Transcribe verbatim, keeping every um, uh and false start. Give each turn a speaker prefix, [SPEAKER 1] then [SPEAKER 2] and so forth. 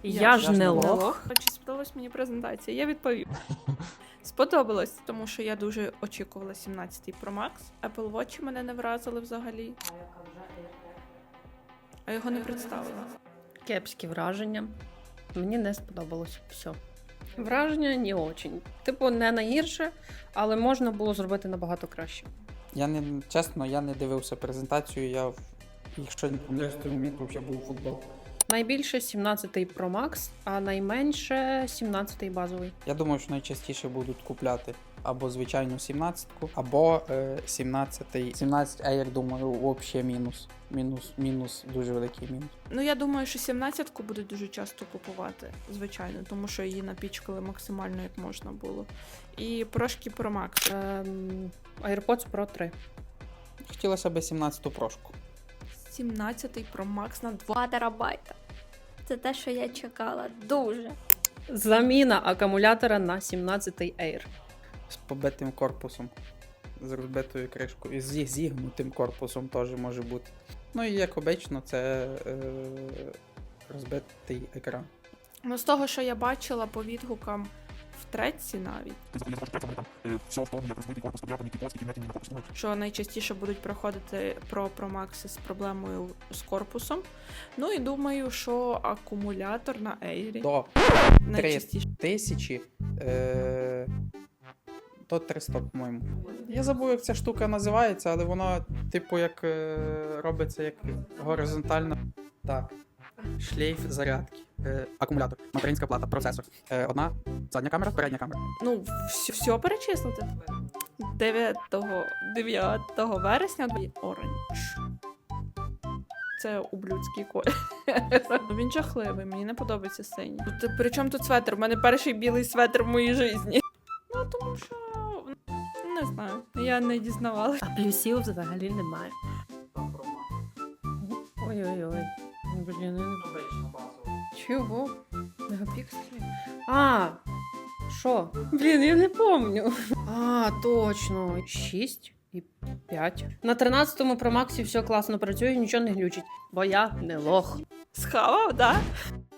[SPEAKER 1] Я,
[SPEAKER 2] Я
[SPEAKER 1] ж
[SPEAKER 2] ж
[SPEAKER 1] не
[SPEAKER 2] не
[SPEAKER 1] лох.
[SPEAKER 2] лох.
[SPEAKER 1] Чи сподобалась мені презентація? Я відповів. Сподобалось, тому що я дуже очікувала сімнадцятий Pro Max. Apple Watch мене не вразили взагалі. А його не представили.
[SPEAKER 2] Кепські враження. Мені не сподобалось все. Враження не очень. Типу, не найгірше, але можна було зробити набагато краще.
[SPEAKER 3] Я не чесно, я не дивився презентацію, я в- якщо не помиляюсь, то моменту я був у футбол.
[SPEAKER 2] Найбільше сімнадцятий Pro Max, а найменше сімнадцятий базовий.
[SPEAKER 3] Я думаю, що найчастіше будуть купляти або звичайну сімнадцятку, або е, сімнадцятий. сімнадцять Air, думаю, взагалі мінус. Мінус, мінус, дуже великий мінус.
[SPEAKER 1] Ну, я думаю, що сімнадцятку будуть дуже часто купувати, звичайно, тому що її напічкали максимально, як можна було. І прошки Pro Max.
[SPEAKER 2] Ем, AirPods Pro три.
[SPEAKER 3] Хотілося б сімнадцяту прошку.
[SPEAKER 1] сімнадцятий Pro Max на два.
[SPEAKER 4] два терабайта. Це те, що я чекала. Дуже.
[SPEAKER 2] Заміна акумулятора на сімнадцятий Air.
[SPEAKER 3] З побитим корпусом, з розбитою кришкою, і з зігнутим корпусом теж може бути. Ну і як обично, це е, розбитий екран.
[SPEAKER 1] Ну, з того, що я бачила по відгукам в треці навіть, що найчастіше будуть проходити про Pro Max з проблемою з корпусом. Ну і думаю, що акумулятор на Air
[SPEAKER 3] До
[SPEAKER 1] найчастіше.
[SPEAKER 3] тисячі е, до триста, по-моєму. Я забув, як ця штука називається, але воно, типу, як е, робиться як горизонтально. Так. Шлейф зарядки. Е, акумулятор, материнська плата, процесор. Е, одна задня камера, передня камера.
[SPEAKER 1] Ну, все, все перечислити. дев'ятого вересня оранж. Це ублюдський колір. Він жахливий, мені не подобається синій. Тут, причому тут светр? У мене перший білий светр в моїй житті. Ну, тому що, не знаю, я не дізнавалася.
[SPEAKER 2] А плюсів взагалі немає. Ой-ой-ой. Блін, я не... Чого? Мегапікселі? А, що? Блін, я не помню. А, точно. шість і п'ять. На тринадцятому Pro Max все класно працює, нічого не глючить. Бо я не лох.
[SPEAKER 1] Схавав, да?